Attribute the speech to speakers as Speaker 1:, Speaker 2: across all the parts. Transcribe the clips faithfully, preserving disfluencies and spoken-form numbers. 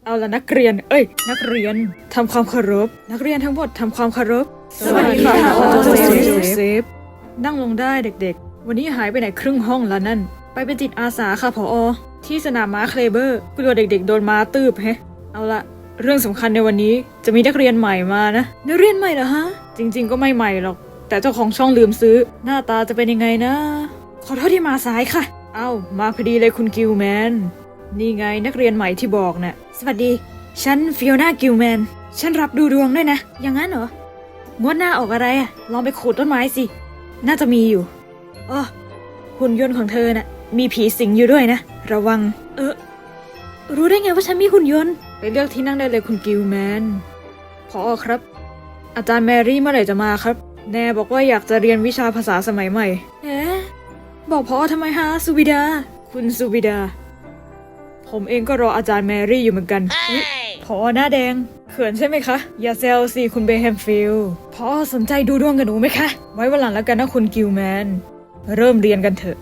Speaker 1: เอาละนักเรียนเอ้ยนักเรียนทำความเคารพนักเรียนทั้งหมดทำความเคารพสวัสดีค่ะโจเซฟนั่งลงได้เด็กๆวันนี้หายไปไหนครึ่งห้องแล้วนั่นไปเป็นจิตอาสาค่ะผอ.ที่สนามม้าเคลเบอร์กลัวเด็กๆโดนม้าตืบแฮะเอาละเรื่องสำคัญในวันนี้จะมีนักเรียนใหม่มานะนักเรียนใหม่เหรอฮะจริงๆก็ไม่ใหม่หรอกแต่เจ้าของช่องลืมซื้อหน้าตาจะเป็นยังไงนะขอโทษที่มาสายค่ะเอ้ามาพอดีเลยคุณกิลแมนนี่ไงนักเรียนใหม่ที่บอกนะ่ะสวัสดีฉันฟิโอนากิลแมนฉันรับดูดวงด้วยนะอย่างนั้นเหรองวดหน้าออกอะไรอะลองไปขูดต้นไม้สิน่าจะมีอยู่อ๋อหุ่นยนต์ของเธอน่ะมีผีสิงอยู่ด้วยนะระวังเออรู้ได้ไงว่าฉันมีหุ่นยนต์ไปเลือกที่นั่งได้เลยคุณกิลแมนพอครับอาจารย์แมรี่เมื่อไหร่จะมาครับแน่บอกว่าอยากจะเรียนวิชาภาษาสมัยใหม่เอ๊ะบอกพอทำไมฮะสุบิดาคุณสุบิดาผมเองก็รออาจารย์แมรี่อยู่เหมือนกันพอหน้าแดงเขินใช่ไหมคะอย่าเซลสิคุณเบแฮมฟิลด์พอสนใจดูดวงกับหนูไหมคะไว้วันหลังแล้วกันนะคุณกิลแมนเริ่มเรียนกันเถอะ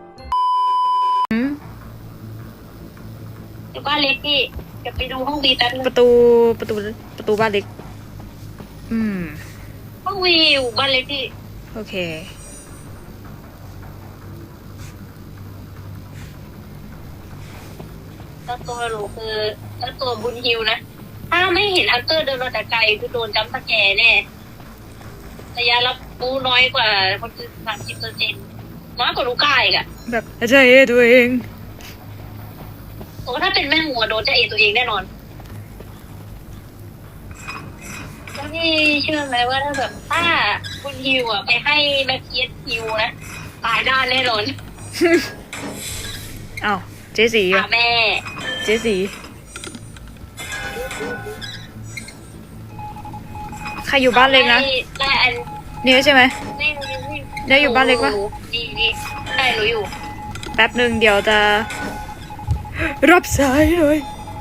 Speaker 2: บ้านเล็กพี่จะไปดูห้องวีแป๊บนึง
Speaker 1: ประตูประตูประตูบ้านเล็กอืม
Speaker 2: ห้องวีอยู่บ้านเล็กพี่
Speaker 1: โอเค
Speaker 2: แล้วตัวหนูคือแล้วตัวบุญฮิวนะถ้าไม่เห็นฮันเตอร์เดินมาแต่ไกลคือโดนจัมป์สแกร์แน่ระยะรับรู้น้อยกว่าคนอื่นสามสิบเปอร์เซ็นต์น้อยกว่าลูกก้าอีกอะ
Speaker 1: แบบใจเอตัวเอง
Speaker 2: โอ้ถ้าเป็นแม่หัวโดนจะเอตัวเองแน่นอนแล้วพี่เชื่อไหมว่าถ้าแบบถ้าคุณฮิวอ่ะไปให้แม็กเคียสฮิวนะตายด้านแน่นอน
Speaker 1: อ้าวเจสีอ่ะ
Speaker 2: แม่
Speaker 1: เจสีใครอยู่บ้านเล็กนะ
Speaker 2: ได้อัน
Speaker 1: นี่ใช่ไหม
Speaker 2: นี่นี่
Speaker 1: ได้อยู่บ้านเล็กปะ
Speaker 2: นี่นี่ได้หนูอยู่
Speaker 1: แป๊บหนึ่งเดี๋ยวจะรับสายเลย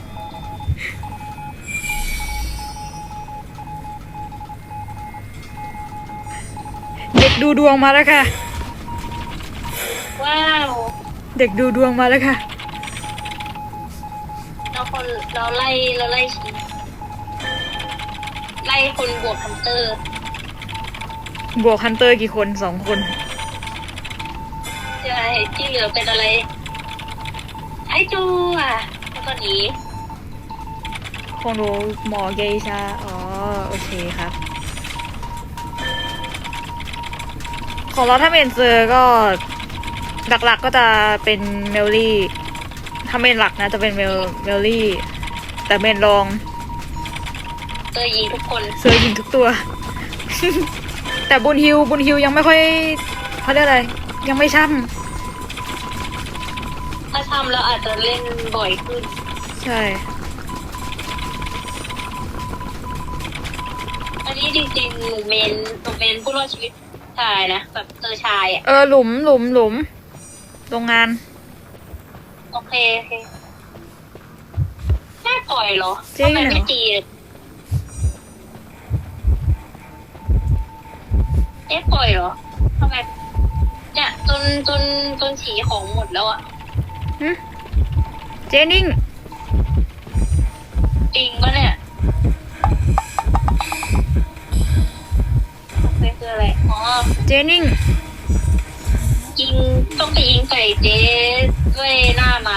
Speaker 1: เด็กดูดวงมาแล้วค่ะ
Speaker 2: ว้าว
Speaker 1: เด็กดูดวงมาแล้วค่ะ
Speaker 2: เราคนเราไล่เราไล่ชีไล่คนบวกฮันเตอร์
Speaker 1: บวกฮันเตอร์กี่คนสองคน
Speaker 2: ใช่ที่เหลือเป็นอะไรไอจูอ่ะแล้วก็หนี
Speaker 1: ของหนูหมอเกชาอ๋อโอเคครับของเราถ้าเมนเจอก็หลักๆก็จะเป็นเมลลี่ถ้าเมนหลักนะจะเป็นเมลเมลลี่แต่เมนรอง
Speaker 2: เจอยิงทุกคน
Speaker 1: เจอยิงทุกตัว แต่บุญฮิวบุญฮิวยังไม่ค่อยเขาเรียกอะไรยังไม่ช่
Speaker 2: ำถ้าช่ำแล้วอาจจะเล่นบ่อยขึ้น
Speaker 1: ใช่
Speaker 2: อันนี้จริงๆหนูเมนหนูเมนผู้รอดชีวิตชายนะแบบเจอชายอ่ะ
Speaker 1: เออหลุมหลุมหลุมโรงงาน
Speaker 2: โอเคโอเคแค่ปล่อยเหรอทำไมไม่ตีเอ๊ะปล่อยเหรอทำไมเนี่ยจนจนจนฉีของหมดแล้วอ่ะ
Speaker 1: เจนิ่ง
Speaker 2: จริงปะเนี่ยเป็นคืออะไรอ๋อ
Speaker 1: เจนิ่ง
Speaker 2: ยิงต้องไปยิงใส่เจ๊ด้วยหน้าไม้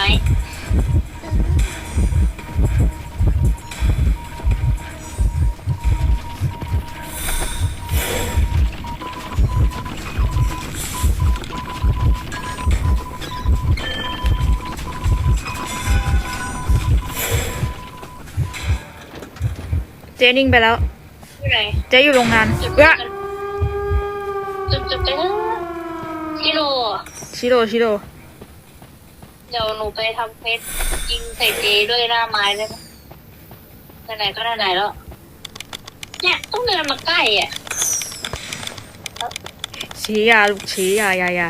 Speaker 1: เจนิ่งไปแล้ว
Speaker 2: ที่ไหน
Speaker 1: เจ๊อยู่โรงงาน
Speaker 2: จุดจุดจุดไปชิโร่
Speaker 1: ชิโร่ชิโร่
Speaker 2: เดี๋ยวหนูไปทำเพชรยิงใส่เจ๊ด้วยหน้าไม้ได้ไหมไหนๆก็ไหนๆแล้วเนี่ยต้องเดินมาใกล้อ่ะ
Speaker 1: ชี้ยาลูกชี้ยายายา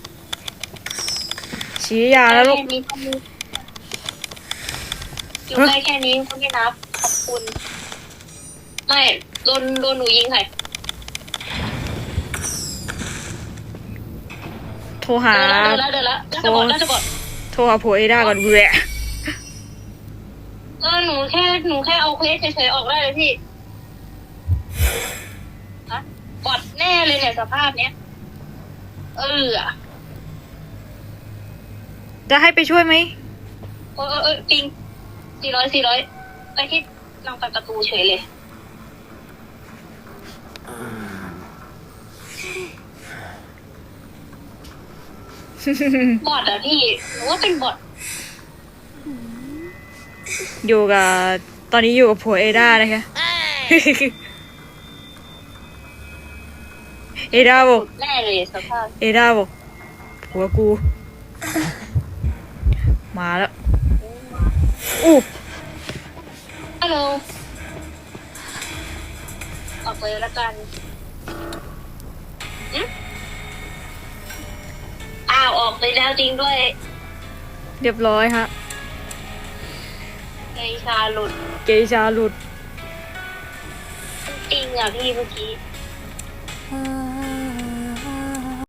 Speaker 1: ชี้ยาแล้วลูก
Speaker 2: อยู่ใกล้แค่นี้ก็ไม่นับขอบคุณไม่โดนโดนหนูยิงใคร
Speaker 1: โทรหา
Speaker 2: เดินแล้วเดินแล้วจะบอกจะบอก
Speaker 1: โทรหาผัวเอด้าก่อนเบื่อ
Speaker 2: เออหนูแค่หนูแค่เอาเควสเฉยๆออกได้เลยพี่ฮะบอดแน่เลยเนี่ยสภาพเนี้ยเออ
Speaker 1: จะให้ไปช่วยไหม
Speaker 2: เออเออเออจริงสี่ร้อยสี่ร้อยไปที่นางไปประตูเฉยเลยบอดอะพี่หนูว่าเป็นบอด
Speaker 1: อยู่กับตอนนี้อยู่กับผัวเอด้านะคะ เอด้าบอก
Speaker 2: แน่เลยสภาพ
Speaker 1: เอด้าบอกผัวกู มาแล้วอู้
Speaker 2: ฮัลโหลออกเลยละกันหึอ้าวออกไปแล้วจริงด้วย
Speaker 1: เรียบร้อยฮะ
Speaker 2: ไอชาหลุด
Speaker 1: เกชาหลุด
Speaker 2: จริงอ่ะพี่เมื่อกี้
Speaker 1: อ่า